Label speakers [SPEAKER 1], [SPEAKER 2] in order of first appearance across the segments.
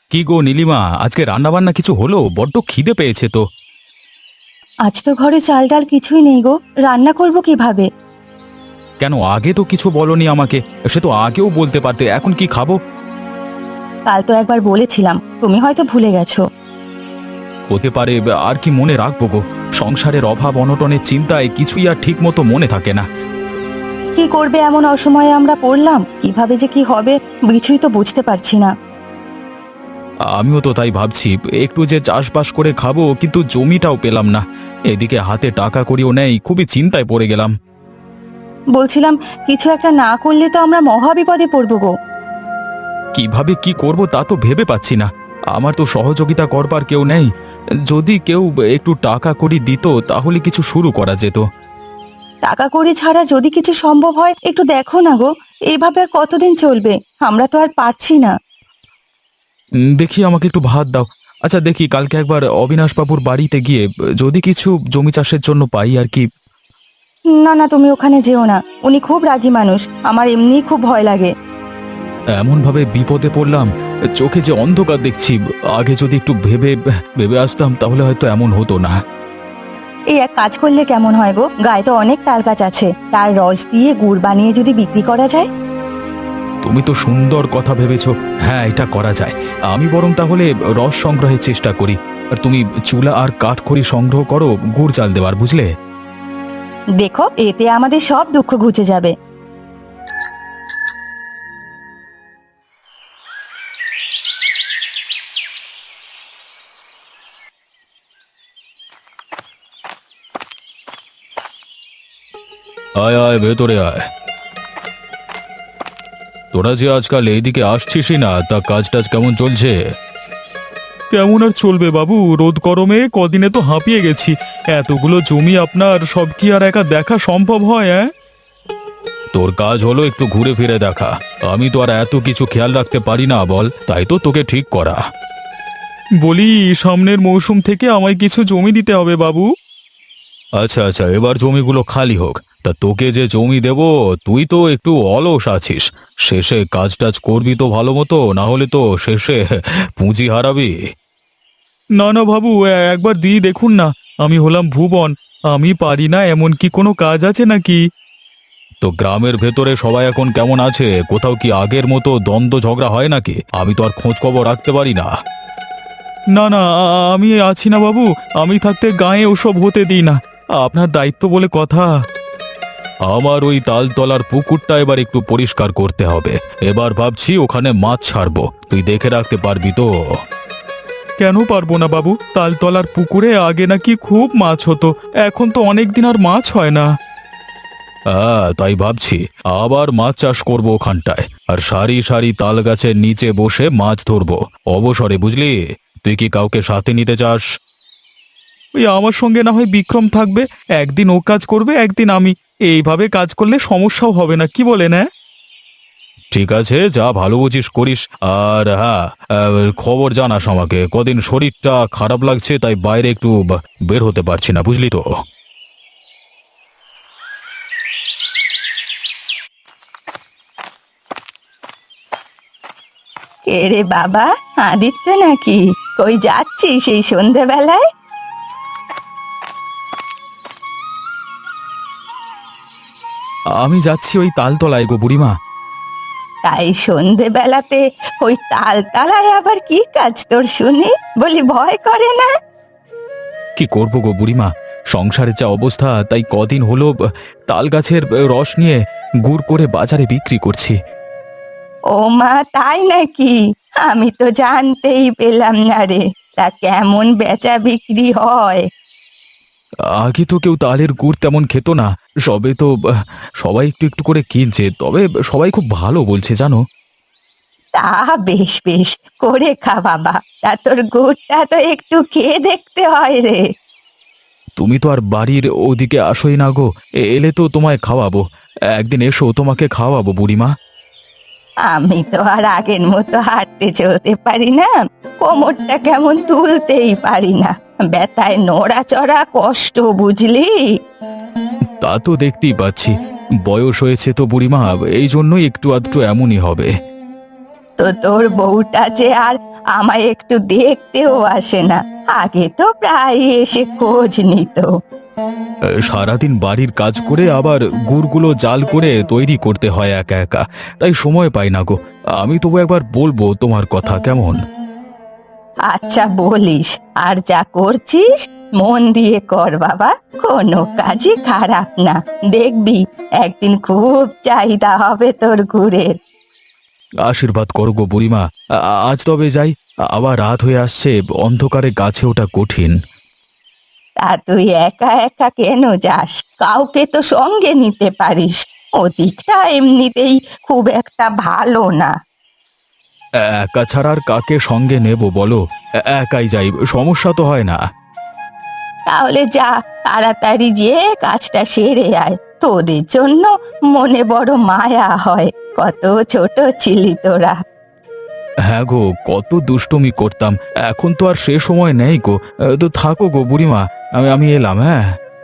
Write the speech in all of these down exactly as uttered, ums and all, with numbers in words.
[SPEAKER 1] কি গো নীলিমা, আজকে রান্না বান্না কিছু হলো? বড্ড খিদে পেয়েছে তো।
[SPEAKER 2] আজ তো ঘরে চাল ডাল কিছুই নেই গো, রান্না করব কিভাবে?
[SPEAKER 1] কেন আগে তো কিছু বলনি আমাকে? সে তো আগেও বলতে পারতে। এখন কি খাবো?
[SPEAKER 2] কাল তো একবার বলেছিলাম, তুমি হয়তো ভুলে গেছো।
[SPEAKER 1] হতে পারে, আর কি মনে রাখবো গো। সংসারের অভাব অনটনের চিন্তায় কিছুই আর ঠিক মতো মনে থাকে না।
[SPEAKER 2] কি করবে এমন অসময়ে আমরা পড়লাম, কিভাবে যে কি হবে কিছুই তো বুঝতে পারছি না।
[SPEAKER 1] আমিও তো তাই ভাবছি, একটু যে চাষবাস করে খাবো, কিন্তু জমিটাও পেলাম না। এদিকে হাতে টাকা কড়িও নেই, খুবই চিন্তায় পড়ে গেলাম।
[SPEAKER 2] বলছিলাম কিছু একটা না করলে তো আমরা মহা বিপদে পড়বো গো।
[SPEAKER 1] কিভাবে কি করব তা তো ভেবে পাচ্ছি না। আমার তো সহযোগিতা করবার কেউ নেই। যদি কেউ একটু টাকা কড়ি দিত তাহলে কিছু শুরু করা যেত।
[SPEAKER 2] টাকা কড়ি ছাড়া যদি কিছু সম্ভব হয় একটু দেখো না গো। এইভাবে আর কতদিন চলবে? আমরা তো আর পারছি না।
[SPEAKER 1] উম, দেখি আমাকে একটু ভাত দাও। আচ্ছা দেখি কালকে একবার অবিনাশবাবুর বাড়িতে গিয়ে যদি কিছু জমি চাষের জন্য পাই আর কি।
[SPEAKER 2] না না, তুমি ওখানে যেও না, উনি খুব রাগী মানুষ, আমার এমনিই খুব ভয় লাগে।
[SPEAKER 1] এমনভাবে বিপদে পড়লাম, চোখে যে অন্ধকার দেখছি। আগে যদি একটু ভেবে ভেবে আসতাম তাহলে হয়তো এমন হতো না।
[SPEAKER 2] এই এক কাজ করলে কেমন হয় গো, গায়ে তো অনেক তাল গাছ আছে, তার রস দিয়ে গুড় বানিয়ে যদি বিক্রি করা যায়।
[SPEAKER 1] তুমি তো সুন্দর কথা ভেবেছো। হ্যাঁ, এটা করা যায়। আমি বরং তাহলে রস সংগ্রহের চেষ্টা করি, আর তুমি চুলা আর কাঠখড়ি সংগ্রহ করো গুড় চাল দেওয়ার, বুঝলে?
[SPEAKER 2] দেখো, এতে আমাদের সব দুঃখ ঘুচে যাবে।
[SPEAKER 1] আয় আয়, ভেতরে আয়। তোরা যে আজকাল এইদিকে আসছিসই না, তা কাজ টাজ কেমন চলছে? কেমন আর চলবে বাবু, রোদ গরমে কদিনে তো হাঁপিয়ে গেছি। এতগুলো জমি আপনার সব কি আর একা দেখা সম্ভব হয়? হ্যাঁ, তোর কাজ হলো একটু ঘুরে ফিরে দেখা। আমি তো আর এত কিছু খেয়াল রাখতে পারি না বল, তাই তো তোকে ঠিক করা। বলি, সামনের মৌসুম থেকে আমায় কিছু জমি দিতে হবে বাবু। আচ্ছা আচ্ছা, এবার জমিগুলো খালি হোক। তা তোকে যে জমি দেব, তুই তো একটু অলস আছিস। শেষে কাজ টাজ করবি তো ভালো মতো, না হলে তো শেষে পুঁজি হারাবি। না না বাবু, এ- একবার দিয়ে দেখুন না। আমি হলাম ভুবন, আমি পারি না এমন কি কোনো কাজ আছে নাকি? তো গ্রামের ভেতরে সবাই এখন কেমন আছে? কোথাও কি আগের মতো দ্বন্দ্ব ঝগড়া হয় নাকি? আমি তো আর খোঁজ খবর রাখতে পারি না। না না, আ- আমি আছি না বাবু। আমি থাকতে গায়ে ওসব হতে দিই না। আপনার দায়িত্ব বলে কথা। আমার ওই তালতলার পুকুরটা এবার একটু পরিষ্কার করতে হবে। এবার ভাবছি ওখানে মাছ ছাড়বো, তুই দেখে রাখতে পারবি তো? কেন পারবো না বাবু, তালতলার পুকুরে আগে নাকি খুব মাছ হতো, এখন তো অনেক দিন আর মাছ হয় না। হ্যাঁ, তাই ভাবছি আবার মাছ চাষ করব ওখানটায়, আর সারি সারি তাল গাছের নিচে বসে মাছ ধরবো অবসরে, বুঝলি? তুই কি কাউকে সাথে নিতে চাস? ওই আমার সঙ্গে না হয় বিক্রম থাকবে, একদিন ও কাজ করবে একদিন আমি। এইভাবে কাজ করলে সমস্যাও হবে না, কি বলেন? হ্যাঁ, ঠিক আছে, যা ভালো বুঝিস করিস। আর হ্যাঁ, আহ, খবর জানাস আমাকে। কদিন শরীরটা খারাপ লাগছে, তাই বাইরে একটু বা- বের হতে পারছি না, বুঝলি তো?
[SPEAKER 2] কে রে বাবা, আদিত্য নাকি? কই যাচ্ছিস এই সন্ধেবেলায়?
[SPEAKER 1] আমি যাচ্ছি ওই তালতলায় গো বুড়িমা।
[SPEAKER 2] তাই সন্ধেবেলাতে ওই তালতলায় আবার কি কাজ তোর শুনি? বলি ভয় করে না?
[SPEAKER 1] কি করব গো বুড়িমা, সংসারের যা অবস্থা, তাই কদিন হলো আহ, তাল গাছের আহ, রস নিয়ে গুড় করে বাজারে বিক্রি করছি।
[SPEAKER 2] ও মা, তাই নাকি? আমি তো জানতেই পেলাম না রে। তা কেমন বেচা বিক্রি হয়?
[SPEAKER 1] আগে তো কেউ তালের গুড় তেমন খেত না, সবে তো আহ, সবাই একটু একটু করে কিনছে, তবে সবাই খুব ভালো বলছে জানো।
[SPEAKER 2] তা বেশ বেশ, করে খা বাবা। তা তোর গুড়টা তো একটু খেয়ে দেখতে হয় রে।
[SPEAKER 1] তুমি তো আর বাড়ির ওদিকে আসোই না গো, এ- এলে তো তোমায় খাওয়াবো। একদিন এসো, তোমাকে খাওয়াবো বুড়িমা।
[SPEAKER 2] আমি তো আর আগের মতো হাঁটতে চলতে পারি না, কোমরটা কেমন তুলতেই পারি না, ব্যথায় নড়াচড়া কষ্ট, বুঝলি?
[SPEAKER 1] তা তো দেখতেই পাচ্ছি, বয়স হয়েছে তো বুড়িমা, এই জন্যই একটু আধটু এমনই হবে।
[SPEAKER 2] তো তোর বউটা যে আর আমায় একটু দেখতেও আসে না। আগে তো প্রায় এসে খোঁজ নিত।
[SPEAKER 1] এ, সারাদিন বাড়ির কাজ করে আবার গুড়গুলো জাল করে তৈরি করতে হয় একা একা, তাই সময় পাই না গো। আমি তবু একবার বলবো তোমার কথা, কেমন?
[SPEAKER 2] আচ্ছা বলিস, আর যা করছিস মন দিয়ে কর বাবা, কোনো কাজই খারাপ না। দেখবি একদিন খুব চাহিদা হবে তোর গুড়ের।
[SPEAKER 1] আশীর্বাদ করো গো বুড়িমা। আ- আজ তবে যাই, আবার রাত হয়ে আসছে, অন্ধকারে গাছে ওঠা কঠিন।
[SPEAKER 2] তা তুই একা একা কেন যাস? কাউকে তো সঙ্গে নিতে পারিস। ওদিকটা এমনিতেই খুব একটা ভালো না।
[SPEAKER 1] একা ছাড়া আর কাকে সঙ্গে নেব বলো? এ- একাই যাই, সমস্যা তো হয় না।
[SPEAKER 2] তাহলে যা, তাড়াতাড়ি গিয়ে কাজটা সেরে আয়। তোদের জন্য মনে বড় মায়া হয়, কত ছোট ছিলি তোরা।
[SPEAKER 1] হ্যাঁ গো, কত দুষ্টুমি করতাম, এখন তো আর সে সময় নেই গো। এ, তো থাকো গো বুড়িমা, আমি আমি এলাম, হ্যাঁ।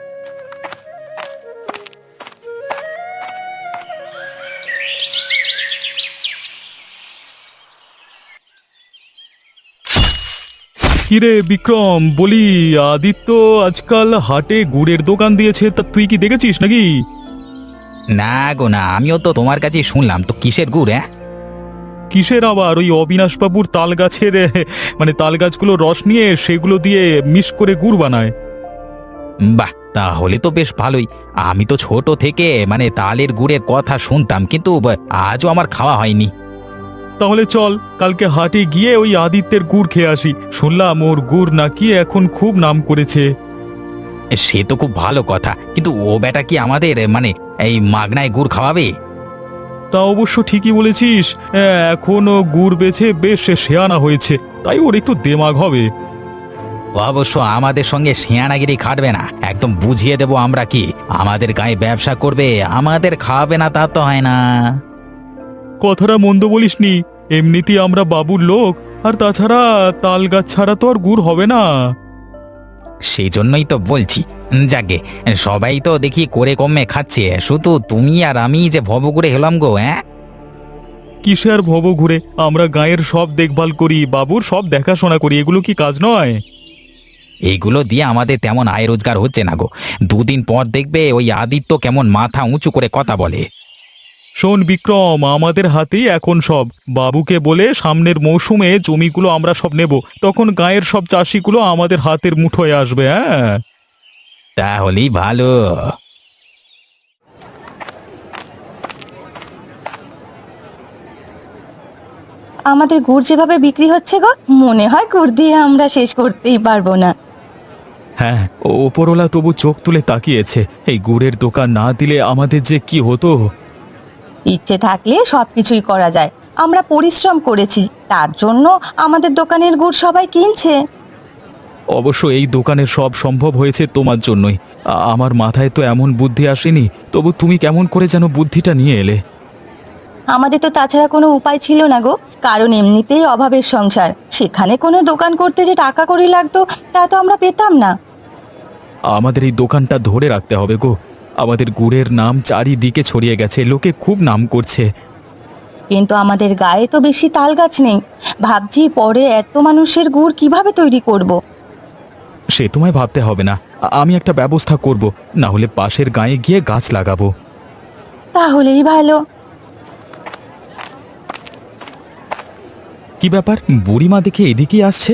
[SPEAKER 1] কিরে বিক্রম, বলি আদিত্য আজকাল হাটে গুড়ের দোকান দিয়েছে, তা তুই কি দেখেছিস নাকি?
[SPEAKER 3] না গো না, আমিও তো তোমার কাছে শুনলাম। তো কিসের গুড়? হ্যাঁ,
[SPEAKER 1] কিসের আবার, ওই অবিনাশবাবুর তাল গাছের এ, মানে তাল গাছগুলো রস নিয়ে সেগুলো দিয়ে মিশ করে গুড় বানায়।
[SPEAKER 3] বাহ, তাহলে তো বেশ ভালোই। আমি তো ছোট থেকে মানে তালের গুড়ের কথা শুনতাম, কিন্তু ব- আজও আমার খাওয়া হয়নি।
[SPEAKER 1] তাহলে চল কালকে হাটে গিয়ে ওই আদিত্যের গুড় খেয়ে আসি, শুনলাম ওর গুড় নাকি এখন খুব নাম করেছে।
[SPEAKER 3] সে তো খুব ভালো কথা, কিন্তু ও বেটা কি আমাদের মানে এই মাগনায় গুড় খাওয়াবে?
[SPEAKER 1] তা অবশ্য ঠিকই বলেছিস, এ, এখন ও গুড় বেচে বেশ শেয়ানা হয়েছে, তাই ওর একটু দেমাগ হবে।
[SPEAKER 3] ও অবশ্য আমাদের সঙ্গে শিয়ানাগিরি খাটবে না, একদম বুঝিয়ে দেব আমরা কি আমাদের গায়ে ব্যবসা করবে, আমাদের খাওয়াবে না তা তো হয় না।
[SPEAKER 1] কথাটা মন্দ বলিসনি, এমনিতেই আমরা বাবুর লোক, আর তাছাড়া তাল গাছ ছাড়া তো আর গুড় হবে না।
[SPEAKER 3] সেই জন্যই তো বলছি। যাকে সবাই তো দেখি করে কমে খাচ্ছে, শুধু তুমি আর আমি যে ভব করে হলাম গো। হ্যাঁ,
[SPEAKER 1] কিসে আর ভব ঘুরে, আমরা গায়ের সব দেখভাল করি, বাবুর সব দেখাশোনা করি, এগুলো কি কাজ নয়?
[SPEAKER 3] এইগুলো দিয়ে আমাদের তেমন আয় রোজগার হচ্ছে না গো। দুদিন পর দেখবে ওই আদিত্য কেমন মাথা উঁচু করে কথা বলে।
[SPEAKER 1] শোন বিক্রম, আমাদের হাতেই এখন সব। বাবুকে বলে সামনের মৌসুমে জমিগুলো আমরা সব নেব, তখন গায়ের সব চাষিগুলো আমাদের হাতের মুঠোয় আসবে, হ্যাঁ।
[SPEAKER 3] তাহলেই ভালো।
[SPEAKER 2] আমাদের গুড় যেভাবে বিক্রি হচ্ছে গো, মনে হয় গুড় দিয়ে আমরা শেষ করতেই পারবো না।
[SPEAKER 1] হ্যাঁ, ওপরওয়ালা তবু চোখ তুলে তাকিয়েছে, এই গুড়ের দোকান না দিলে আমাদের যে কি হতো।
[SPEAKER 2] ইচ্ছে থাকলে সবকিছুই করা যায়। আমরা পরিশ্রম করেছি, তার জন্য আমাদের দোকানের গুড় সবাই কিনছে।
[SPEAKER 1] অবশ্য এই দোকানের সব সম্ভব হয়েছে তোমার জন্যই। আ- আমার মাথায় তো এমন বুদ্ধি আসেনি, তবু তুমি কেমন করে যেন বুদ্ধিটা নিয়ে এলে।
[SPEAKER 2] আমাদের তো তাছাড়া কোনো উপায় ছিল না গো, কারণ এমনিতেই অভাবের সংসার। সেখানে কোনো দোকান করতে যে টাকা কড়ি লাগতো তা তো আমরা পেতাম না।
[SPEAKER 1] আমাদের এই দোকানটা ধরে রাখতে হবে গো, আমাদের গুড়ের নাম চারিদিকে ছড়িয়ে গেছে, লোকে খুব নাম করছে।
[SPEAKER 2] কিন্তু আমাদের গায়ে তো বেশি তাল গাছ নেই। ভাবছি পরে এত মানুষের গুড় কিভাবে তৈরি করব।
[SPEAKER 1] সে তোমায় ভাবতে হবে না, আ- আমি একটা ব্যবস্থা করব, না হলে পাশের গায়ে গিয়ে গাছ লাগাবো।
[SPEAKER 2] তাহলেই ভালো।
[SPEAKER 1] কি ব্যাপার, বুড়িমা দেখে এদিকেই আসছে।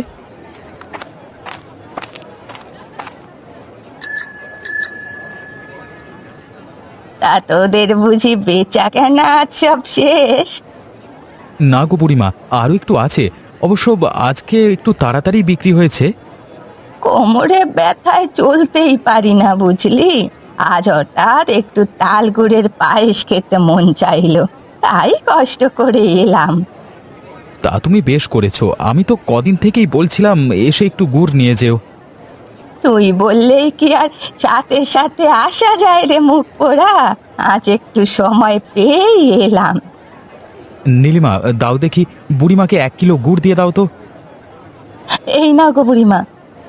[SPEAKER 2] তা তোদের বুঝি বেচা কেনা আজ সব শেষ?
[SPEAKER 1] না গো বুড়িমা, আরও একটু আছে, অবশ্য আজকে একটু তাড়াতাড়ি বিক্রি হয়েছে।
[SPEAKER 2] কোমরে ব্যথায় চলতেই পারি না বুঝলি, আজ হঠাৎ একটু তাল গুড়ের পায়েস খেতে মন চাইলো, তাই কষ্ট করে এলাম।
[SPEAKER 1] তা তুমি বেশ করেছো, আমি তো কদিন থেকেই বলছিলাম এসে একটু গুড় নিয়ে যেও।
[SPEAKER 2] তুই বললেই কি আর সাথে সাথে আসা যায় রে মুখ পোড়া, আজ একটু সময় পেয়েই এলাম।
[SPEAKER 1] নীলিমা, দাও দেখি, বুড়িমাকে এক কিলো গুড় দিয়ে দাও তো।
[SPEAKER 2] এই না গো বুড়িমা।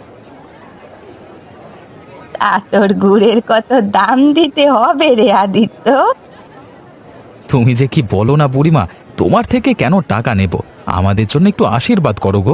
[SPEAKER 2] তা তোর গুড়ের কত দাম দিতে হবে রে আদিত্য?
[SPEAKER 1] তুমি যে কি বলো না বুড়িমা, তোমার থেকে কেন টাকা নেব?
[SPEAKER 3] আমাদের জন্য একটু আশীর্বাদ করো গো।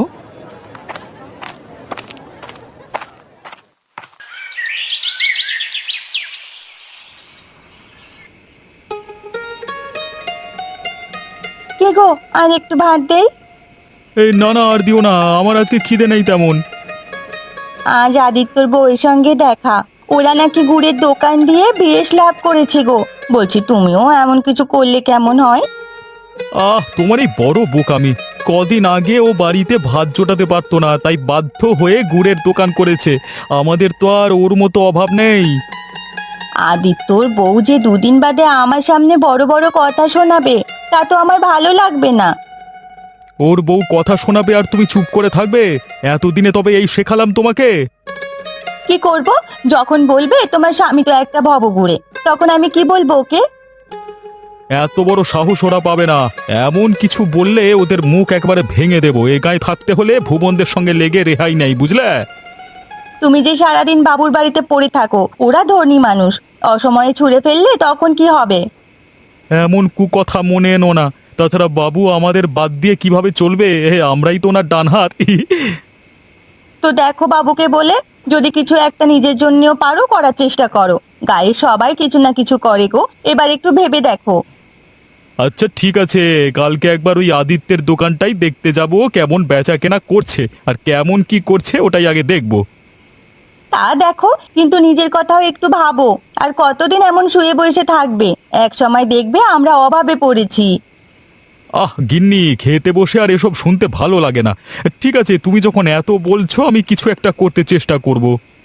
[SPEAKER 2] কে গো, আর একটু ভাত দেই?
[SPEAKER 1] এই না না, আর দিও না, আমার আজকে খিদে নেই তেমন।
[SPEAKER 2] আজ আদিত্যর বউয়ের সঙ্গে দেখা। ওরা নাকি গুড়ের দোকান দিয়ে বেশ লাভ করেছে গো। বলছি তুমিও এমন কিছু করলে কেমন হয়?
[SPEAKER 1] আহ, তোমার এই বড় বোকামি। কদিন আগে ও বাড়িতে ভাত জোটাতে পারতো না, তাই বাধ্য হয়ে গুড়ের দোকান করেছে। আমাদের তো আর ওর মতো অভাব নেই।
[SPEAKER 2] আদিত্যর বউ যে দুদিন বাদে আমার সামনে বড় বড় কথা শোনাবে, তা তো আমার ভালো লাগবে না।
[SPEAKER 1] ওর বউ কথা শোনাবে আর তুমি চুপ করে থাকবে? এতদিনে তবে এই শেখালাম তোমাকে।
[SPEAKER 2] কি করব? যখন বলবে তোমার স্বামী তো একটা ভবঘুরে, তখন আমি কি বলবো ওকে?
[SPEAKER 1] এত বড় সাহস ওরা পাবে না। এমন কিছু বললে ওদের মুখ একবারে ভেঙে দেবো। এ গায়ে থাকতে হলে ভুবনদের সঙ্গে লেগে রেহাই নেই, বুঝলে?
[SPEAKER 2] তুমি যে সারাদিন বাবুর বাড়িতে পড়ে থাকো, ওরা ধনী মানুষ, অসময়ে ছুঁড়ে ফেললে তখন কি হবে?
[SPEAKER 1] এমন কুকথা মনে এনো না। তাছাড়া বাবু আমাদের বাদ দিয়ে কিভাবে চলবে? এ, আমরাই তো ওনার ডান হাত।
[SPEAKER 2] তো দেখো বাবুকে বলে, যদি কিছু একটা নিজের জন্যও পারো করার চেষ্টা করো। গায়ে সবাই কিছু না কিছু করে গো, এবার একটু ভেবে দেখো।
[SPEAKER 1] আচ্ছা ঠিক আছে, কালকে একবার ওই আদিত্যের দোকানটাই দেখতে যাব, কেমন বেচা কেনা করছে আর কেমন কি করছে ওটাই আগে দেখব।
[SPEAKER 2] তা দেখো, কিন্তু নিজের কথাও একটু ভাবো। আর কতদিন এমন শুয়ে বসে থাকবে? এক সময় দেখবে আমরা অভাবে পড়েছি।
[SPEAKER 1] আহ গিন্নি, খেতে বসে আর এসব শুনতে ভালো লাগে না। ঠিক আছে, তুমি যখন এত বলছো আমি কিছু একটা করতে চেষ্টা করব।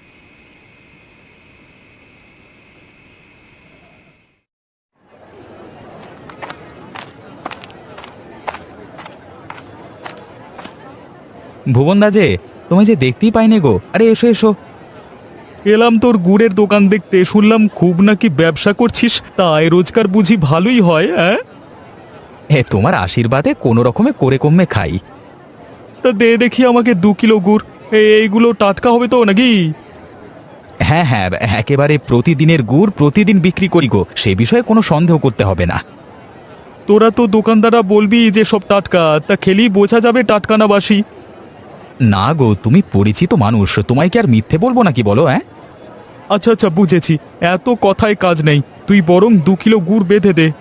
[SPEAKER 3] ভুবন দা যে, তোমায় যে দেখতেই পাইনি গো। আরে এসো এসো।
[SPEAKER 1] এলাম তোর গুড়ের দোকান দেখতে, শুনলাম খুব নাকি ব্যবসা করছিস, তা আয় রোজগার বুঝি ভালোই হয়? হ্যাঁ,
[SPEAKER 3] হে, তোমার আশীর্বাদে কোনো রকমে করে কমে খাই।
[SPEAKER 1] তা দে দেখি আমাকে দু কিলো গুড়। এ- এইগুলো টাটকা হবে তো নাকি?
[SPEAKER 3] হ্যাঁ হ্যাঁ, একেবারে প্রতিদিনের গুড় প্রতিদিন বিক্রি করি গো, সে বিষয়ে কোনো সন্দেহ করতে হবে না।
[SPEAKER 1] তোরা তো দোকানদাররা বলবি যে সব টাটকা, তা খেলেই বোঝা যাবে টাটকা না বাসি।
[SPEAKER 3] না গো, তুমি পরিচিত মানুষ, তোমায় কি আর মিথ্যে বলবো নাকি বলো? হ্যাঁ,
[SPEAKER 1] আচ্ছা আচ্ছা, বুঝেছি। এত কথায় কাজ নেই, তুই বরং দু কিলো গুড় বেঁধে দে।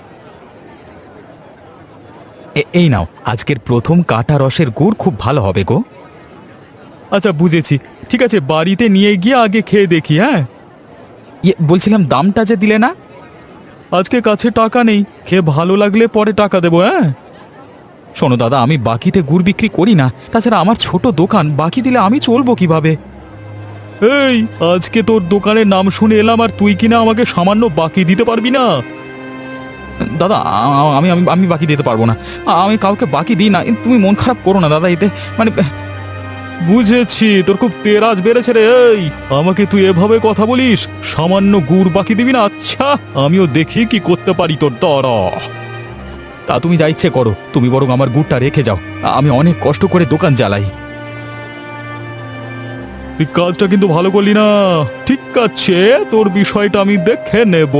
[SPEAKER 3] এ- এই নাও, আজকের প্রথম কাটা রসের গুড় খুব ভালো হবে গো।
[SPEAKER 1] আচ্ছা বুঝেছি, ঠিক আছে, বাড়িতে নিয়ে গিয়ে আগে খেয়ে দেখি। হ্যাঁ,
[SPEAKER 3] ইয়ে, বলছিলাম দামটা যে দিলে না।
[SPEAKER 1] আজকে কাছে টাকা নেই, খেয়ে ভালো লাগলে পরে টাকা দেবো। হ্যাঁ,
[SPEAKER 3] শোনো দাদা, আমি বাকিতে গুড় বিক্রি করি না, তাছাড়া আমার ছোট দোকান, বাকি দিলে আমি চলবো কিভাবে?
[SPEAKER 1] এই আজকে তোর দোকানের নাম শুনে এলাম আর তুই কিনা আমাকে সামান্য বাকি দিতে পারবি না?
[SPEAKER 3] দাদা, আ- আমি আমি আমি বাকি দিতে পারবো না। আমি কাউকে বাকি দিই না, তুমি মন খারাপ করো না দাদা, এতে মানে।
[SPEAKER 1] বুঝেছি, তোর খুব তেরাজ বেড়েছে রে। এই আমাকে তুই এভাবে কথা বলিস? সামান্য গুড় বাকি দিবি না? আচ্ছা, আমিও দেখি কি করতে পারি তোর দ্বারা।
[SPEAKER 3] তা তুমি যা ইচ্ছে করো, তুমি বরং আমার গুড়টা রেখে যাও, আমি অনেক কষ্ট করে দোকান চালাই।
[SPEAKER 1] তুই কাজটা কিন্তু ভালো করলি না। ঠিক আছে, তোর বিষয়টা আমি দেখে নেব।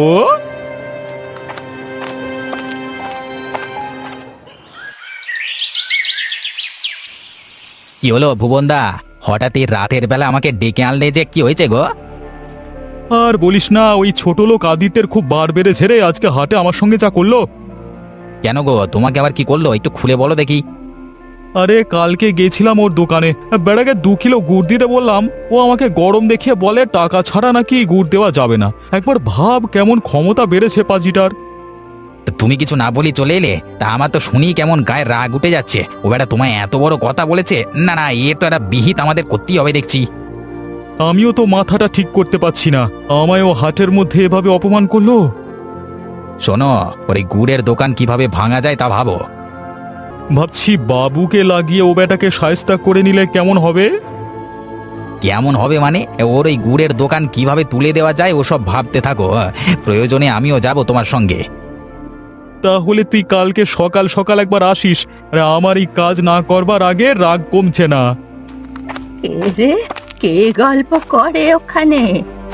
[SPEAKER 3] কি হলো ভুবনদা, হঠাৎ এই রাতের বেলা আমাকে ডেকে আনলে যে, কি হয়েছে গো?
[SPEAKER 1] আর বলিস না, ওই ছোট লোক আদিত্যের খুব বার বেড়েছে রে। আজকে হাটে আমার সঙ্গে যা করলো।
[SPEAKER 3] কেন গো, তোমাকে আবার কি করলো? একটু খুলে বলো দেখি।
[SPEAKER 1] আরে কালকে গেছিলাম ওর দোকানে, বেড়াকে দু কিলো গুড় দিতে বললাম, ও আমাকে গরম দেখিয়ে বলে টাকা ছাড়া নাকি গুড় দেওয়া যাবে না। একবার ভাব কেমন ক্ষমতা বেড়েছে পাজিটার।
[SPEAKER 3] তা তুমি কিছু না বলি চলে এলে, তা আমার তো শুনি কেমন গায়ে রাগ উঠে যাচ্ছে। ও বেটা তোমায় এত বড় কথা বলেছে? না না, এর তো একটা বিহিত আমাদের করতেই হবে দেখছি।
[SPEAKER 1] আমিও তো মাথাটা ঠিক করতে পারছি না, আমায় ও হাটের মধ্যে এভাবে অপমান করলো।
[SPEAKER 3] শোনো, ওর এই গুড়ের দোকান কিভাবে ভাঙা যায় তা ভাবো।
[SPEAKER 1] ভাবছি বাবুকে লাগিয়ে ও বেটাকে শায়েস্তা করে নিলে কেমন হবে।
[SPEAKER 3] কেমন হবে মানে? ওর ওই গুড়ের দোকান কিভাবে তুলে দেওয়া যায় ওসব ভাবতে থাকো। প্রয়োজনে আমিও যাব তোমার সঙ্গে।
[SPEAKER 1] তাহলে তুই কালকে সকাল সকাল একবার আসিস। আরে আমার এই কাজ না করবার আগে রাগ কমছে না।
[SPEAKER 2] কে রে, কে গল্প করে ওখানে?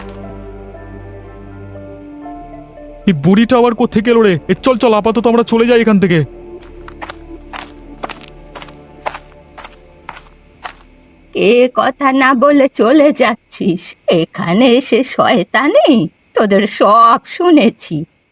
[SPEAKER 1] এই বুড়িটা আবার কোত্থেকে এলো রে? এ চল চল, আপাতত আমরা চলে যাই এখান থেকে।
[SPEAKER 2] এ কথা না বলে চলে যাচ্ছিস? এখানে এসে শয়তানি, তোদের সব শুনেছি।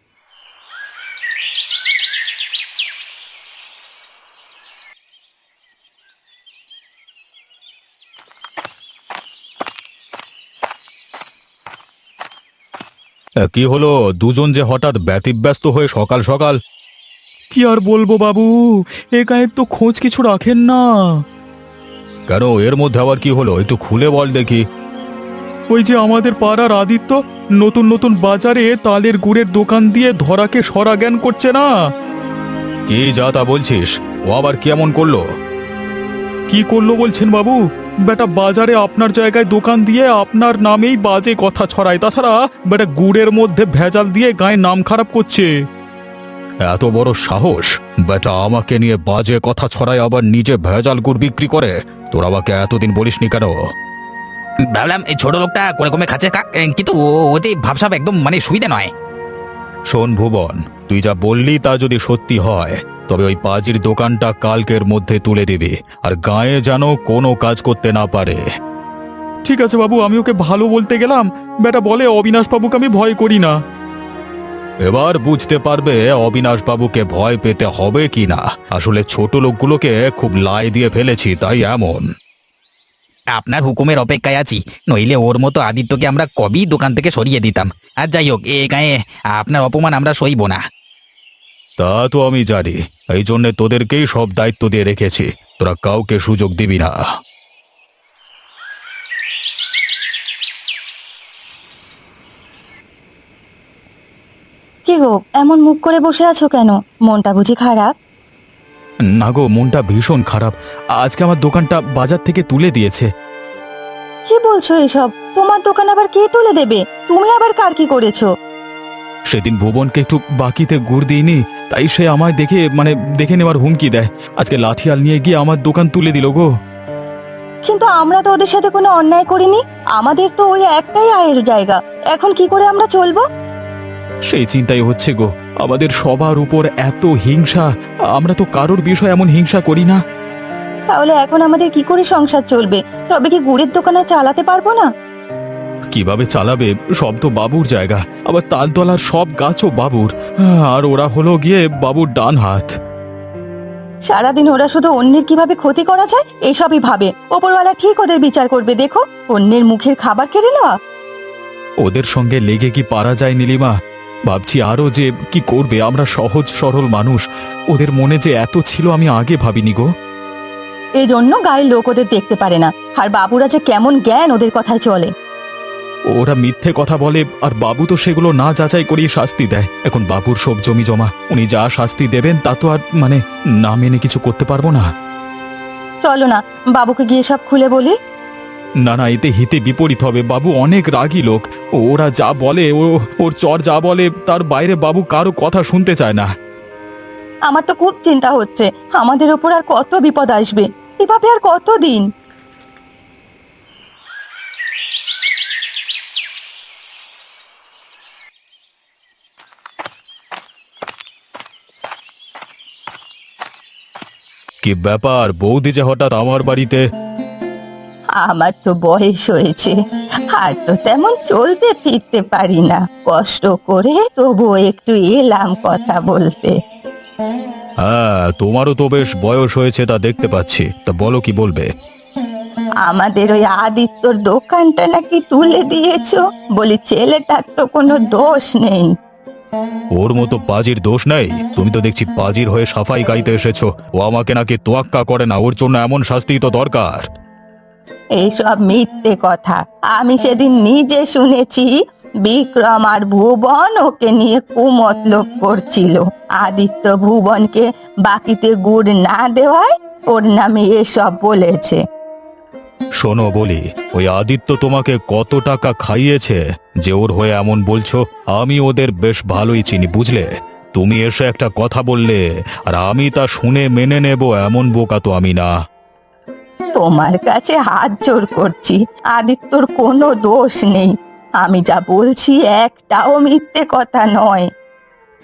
[SPEAKER 1] কি হলো দুজন যে হঠাৎ ব্যতিব্যস্ত হয়ে সকাল সকাল? কি আর বলবো বাবু, এ গায়ের তো খোঁজ কিছু রাখেন না। কেন, এর মধ্যে আবার কি হলো? একটু খুলে বল দেখি। ওই যে আমাদের পাড়ার আদিত্য নতুন নতুন বাজারে তালের গুড়ের দোকান দিয়ে ধরাকে সরা জ্ঞান করছে না। কি যা তা বলছিস? ও আবার কেমন করলো? কি করলো বলছেন বাবু? বেটা বাজারে আপনার জায়গায় দোকান দিয়ে আপনার নামেই বাজে কথা ছড়ায়, তাছাড়া বেটা গুড়ের মধ্যে ভেজাল দিয়ে গায়ে নাম খারাপ করছে। এত বড় সাহস! বেটা আমাকে নিয়ে বাজে কথা ছড়ায়, আবার নিজে ভেজাল গুড় বিক্রি করে। তোর আমাকে এতদিন বলিসনি কেন?
[SPEAKER 3] ভাবলাম এই ছোট লোকটা কোনে কমে খাচ্ছে কাক, কিন্তু ও- ও যে ভাবসাব একদম মানে সুবিধা নয়।
[SPEAKER 1] শোন ভুবন, তুই যা বললি তা যদি সত্যি হয় তবে ওই পাজির দোকানটা কালকের মধ্যে তুলে দিবি, আর গায়ে যেন কোনো কাজ করতে না পারে। ঠিক আছে বাবু, আমি ওকে ভালো বলতে গেলাম, বেটা বলে অবিনাশ বাবুকে আমি ভয় করি না। এবার বুঝতে পারবে অবিনাশ বাবুকে ভয় পেতে হবে কি না। আসলে ছোট লোকগুলোকে খুব লাই দিয়ে ফেলেছি, তাই এমন।
[SPEAKER 3] আপনার হুকুমের অপেক্ষায় আছি, নইলে ওর মতো আদিত্যকে আমরা কবেই দোকান থেকে সরিয়ে দিতাম। আর যাই হোক, এ গায়ে আপনার অপমান আমরা সইব না।
[SPEAKER 1] তা তো আমি জানি, এই জন্যে তোদেরকেই সব দায়িত্ব দিয়ে রেখেছি। তোরা কাউকে সুযোগ দিবি না।
[SPEAKER 2] কি গো, এমন মুখ করে বসে আছো কেন? মনটা বুঝি খারাপ?
[SPEAKER 1] না গো, মনটা ভীষণ খারাপ। আজকে আমার দোকানটা বাজার থেকে তুলে দিয়েছে।
[SPEAKER 2] কি বলছো এসব? তোমার দোকান আবার কে তুলে দেবে? তুমি আবার কার কি করেছো?
[SPEAKER 1] সেদিন ভুবনকে একটু বাকিতে গুড় দিইনি, তাই সে আমায় দেখে মানে দেখে নেওয়ার হুমকি দেয়। আজকে লাঠিয়াল নিয়ে গিয়ে আমার দোকান তুলে দিল গো।
[SPEAKER 2] কিন্তু আমরা তো ওদের সাথে কোনো অন্যায় করিনি। আমাদের তো ওই একটাই আয়ের জায়গা, এখন কি করে আমরা চলবো?
[SPEAKER 1] সেই চিন্তাই হচ্ছে গো, আমাদের সবার উপর এত হিংসা। আমরা তো কারোর বিষয় এমন হিংসা করি না।
[SPEAKER 2] তাহলে এখন আমাদের কি করে সংসার চলবে? তবে কি গুড়ের দোকান আর চালাতে পারবো না?
[SPEAKER 1] কিভাবে চালাবে? সব তো বাবুর জায়গা, আবার তালতলার সব গাছও বাবুর, আর ওরা হলো গিয়ে বাবুর ডান হাত।
[SPEAKER 2] সারাদিন ওরা শুধু অন্যের কিভাবে ক্ষতি করা যায় এসবই ভাবে। ওপরওয়ালা ঠিক ওদের বিচার করবে, দেখো। অন্যের মুখের খাবার কেড়ে নেওয়া।
[SPEAKER 1] ওদের সঙ্গে লেগে কি পারা যায় নীলিমা? ভাবছি আরো যে কি করবে। আমরা সহজ সরল মানুষ, ওদের মনে যে এত ছিল আমি আগে ভাবিনি গো।
[SPEAKER 2] এই জন্য গায়ের লোক ওদের দেখতে পারে না। আর বাবুরা যে কেমন জ্ঞান ওদের কথায় চলে।
[SPEAKER 1] ওরা মিথ্যে কথা বলে, আর বাবু তো সেগুলো না যাচাই করিয়ে শাস্তি দেয়। এখন বাবুর সব জমি জমা, উনি যা শাস্তি দেবেন তা তো আর মানে না মেনে কিছু করতে পারবো না।
[SPEAKER 2] চলো না, বাবুকে গিয়ে সব খুলে বলি।
[SPEAKER 1] না না, এতে হিতে বিপরীত হবে। বাবু অনেক রাগী লোক, ওরা যা বলে, ও ওর চর যা বলে তার বাইরে বাবু কারো কথা শুনতে চায় না।
[SPEAKER 2] আমার তো খুব চিন্তা হচ্ছে, আমাদের ওপর আর কত বিপদ আসবে, এভাবে আর কতদিন?
[SPEAKER 1] কি ব্যাপার বৌদি যে হঠাৎ আমার বাড়িতে?
[SPEAKER 2] আমার তো বয়স হয়েছে, আর তো তেমন চলতে ফিরতে পারি না। কষ্ট করে তবু একটু এলাম কথা বলতে।
[SPEAKER 1] হ্যাঁ, তোমারও তো বেশ বয়স হয়েছে, তা দেখতে পাচ্ছি। তা বলো, কি বলবে?
[SPEAKER 2] আমাদের ওই আদিত্যর দোকানটা নাকি তুলে দিয়েছো, বলি ছেলেটার তো কোনো দোষ নেই।
[SPEAKER 1] ওর মতো পাজির দোষ নেই? তুমি তো দেখছি পাজির হয়ে সাফাই গাইতে এসেছো। ও আমাকে নাকি তোয়াক্কা করে না, ওর জন্য এমন শাস্তি তো দরকার।
[SPEAKER 2] এইসব মিথ্যে কথা। আমি সেদিন নিজে শুনেছি বিক্রম আর ভুবন ওকে নিয়ে কুমতলব করছিল। আদিত্য ভুবনকে বাকিতে গুড় না দেওয়ায় ওর নামে এসব বলেছে।
[SPEAKER 1] শোনো বলি, ওই আদিত্য তোমাকে কত টাকা খাইয়েছে যে ওর হয়ে এমন বলছো? আমি ওদের বেশ ভালোই চিনি, বুঝলে? তুমি এসে একটা কথা বললে আর আমি তা শুনে মেনে নেব, এমন বোকা তো আমি না।
[SPEAKER 2] তোমার কাছে হাত জোর করছি, আদিত্যর কোনো দোষ নেই। আমি যা বলছি একটাও মিথ্যে কথা নয়।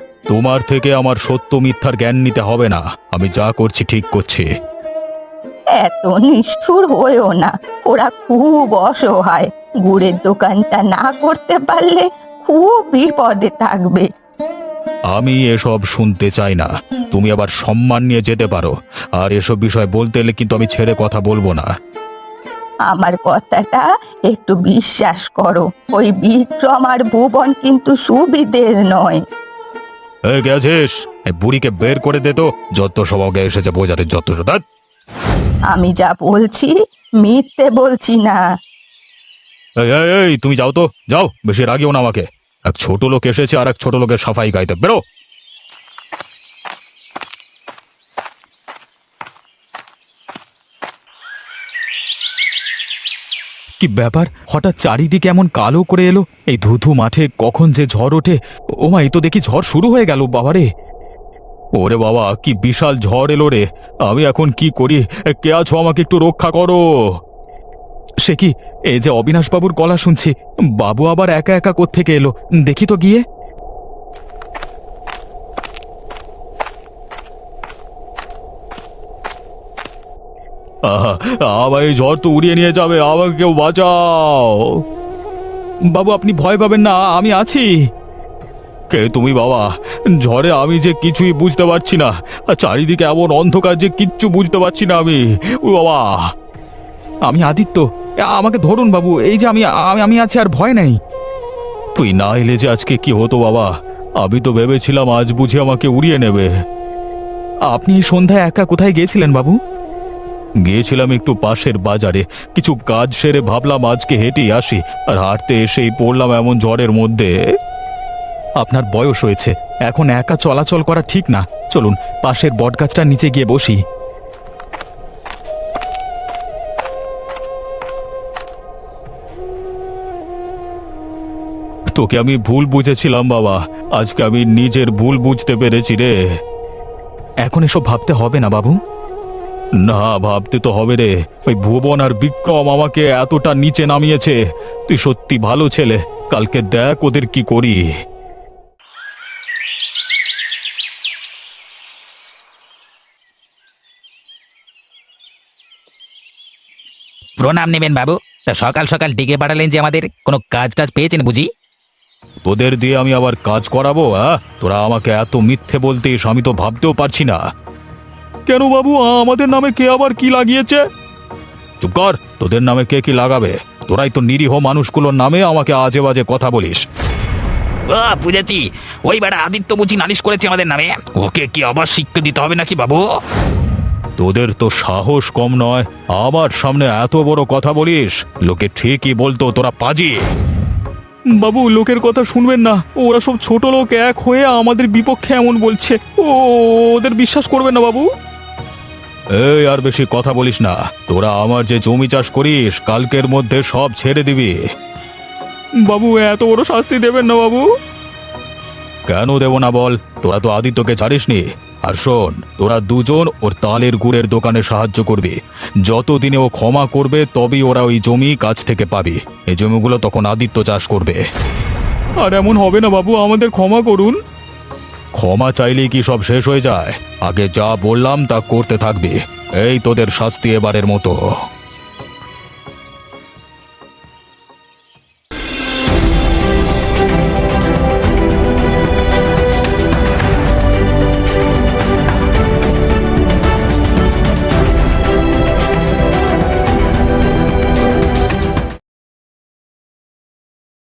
[SPEAKER 1] তোমার থেকে আমার সত্য মিথ্যার জ্ঞান নিতে হবে না। আমি যা করছি ঠিক করছি।
[SPEAKER 2] এত নিষ্ঠুর হয়েও না, ওরা খুব অসহায়। গুড়ের দোকানটা না করতে পারলে খুব বিপদে থাকবে।
[SPEAKER 1] আমি এসব শুনতে চাই না। তুমি আবার সম্মান নিয়ে যেতে পারো, আর এসব বিষয় বলতে এলে কিন্তু আমি ছেড়ে কথা বলবো না।
[SPEAKER 2] আমার কথাটা একটু বিশ্বাস করো, ওই বিক্রম আর ভুবন কিন্তু সুবিধের নয়।
[SPEAKER 1] এই গেছিস, এই বুড়িকে বের করে দে তো, যত সব আগে এসেছে বোঝাতে যত সব। ধ্যাৎ।
[SPEAKER 2] আমি যা বলছি মিথ্যে বলছি না।
[SPEAKER 1] এই এই, এই তুমি যাও তো, যাও, বেশি রাগিও না আমাকে। এক ছোট লোক এসেছে আর এক ছোট লোকের সাফাই গাইতে, বেরো। কি ব্যাপার, হঠাৎ চারিদিকে এমন কালো করে এলো? এই ধুধু মাঠে কখন যে ঝড় ওঠে! ও মা, এই তো দেখি ঝড় শুরু হয়ে গেল বাবারে। ওরে বাবা, কি বিশাল ঝড় এলো রে! আমি এখন কি করি? এ, কে আছো, আমাকে একটু রক্ষা করো। সে কি, এই যে অবিনাশ বাবুর গলা শুনছি। বাবু আবার একা একা কোত্থেকে এলো, দেখি তো গিয়ে। আহা, আবার এই ঝড় তো উড়িয়ে নিয়ে যাবে, আমাকে কেউ বাঁচাও। বাবু, আপনি ভয় পাবেন না, আমি আছি। কে তুমি বাবা? ঝড়ে আমি যে কিছুই বুঝতে পারছি না, আর চারিদিকে এমন অন্ধকার যে কিচ্ছু বুঝতে পারছি না আমি। ও বাবা! আমি আদিত্য, আমাকে ধরুন বাবু, এই যে আমি আমি- আমি আছি, আর ভয় নেই। তুই না এলে যে আজকে কি হতো বাবা! আমি তো ভেবেছিলাম আজ বুঝি আমাকে উড়িয়ে নেবে। আপনি এই সন্ধ্যায় একা কোথায় গিয়েছিলেন বাবু? গিয়েছিলাম একটু পাশের বাজারে, কিছু কাজ সেরে ভাবলাম আজকে হেঁটেই আসি, আর হাঁটতে এসেই পড়লাম এমন ঝড়ের মধ্যে। আপনার বয়স হয়েছে, এখন একা চলাচল করা ঠিক না। চলুন পাশের বটগাছটার নিচে গিয়ে বসি। তোকে আমি ভুল বুঝেছিলাম বাবা, আজকে আমি নিজের ভুল বুঝতে পেরেছি রে। এখন এসব ভাবতে হবে না বাবু। না, ভাবতে তো হবে রে। ওই ভুবন আর বিক্রম আমাকে এতটা নিচে নামিয়েছে। তুই সত্যি ভালো ছেলে, কালকে দেখ ওদের কি করি।
[SPEAKER 3] প্রণাম নেবেন বাবু। তা সকাল সকাল ডেকে পাঠালেন যে, আমাদের কোনো কাজ টাজ পেয়েছেন বুঝি?
[SPEAKER 1] তোদের দিয়ে আমি আবার কাজ করাবো? হ্যাঁ, তোরা আমাকে এত মিথ্যে বলতিস, আমি তো ভাবতেও পারছি না। কেন বাবু, আমাদের নামে কে আবার কি লাগিয়েছে? চুপ কর, তোদের নামে কে কি লাগাবে? তোরাই তো নিরীহ মানুষগুলোর নামে আমাকে আজে বাজে কথা বলিস।
[SPEAKER 3] ও বুঝেছি, ওই বেটা আদিত্য বুঝি নালিশ করেছে আমাদের নামে। ওকে কি আবার শিক্ষা দিতে হবে নাকি বাবু?
[SPEAKER 1] তোদের তো সাহস কম নয়, আমার সামনে এত বড় কথা বলিস। লোকে ঠিকই বলতো তোরা পাজি। বাবু, লোকের কথা শুনবেন না, ওরা সব ছোট লোক এক হয়ে আমাদের বিপক্ষে এমন বলছে। ও ওদের বিশ্বাস করবেন না বাবু। এই, আর বেশি কথা বলিস না। তোরা আমার যে জমি চাষ করিস, কালকের মধ্যে সব ছেড়ে দিবি। বাবু, এত বড় শাস্তি দেবেন না বাবু। কেন দেব না বল? তোরা তো আদিত্যকে ছাড়িসনি। আর শোন, তোরা দুজন ওর তালের গুড়ের দোকানে সাহায্য করবি। যতদিনে ও ক্ষমা করবে তবেই ওরা ওই জমি কাছ থেকে পাবি। এই জমিগুলো তখন আদিত্য চাষ করবে। আর এমন হবে না বাবু, আমাদের ক্ষমা করুন। ক্ষমা চাইলেই কি সব শেষ হয়ে যায়? আগে যা বললাম তা করতে থাকবি। এই তোদের শাস্তি এবারের মতো।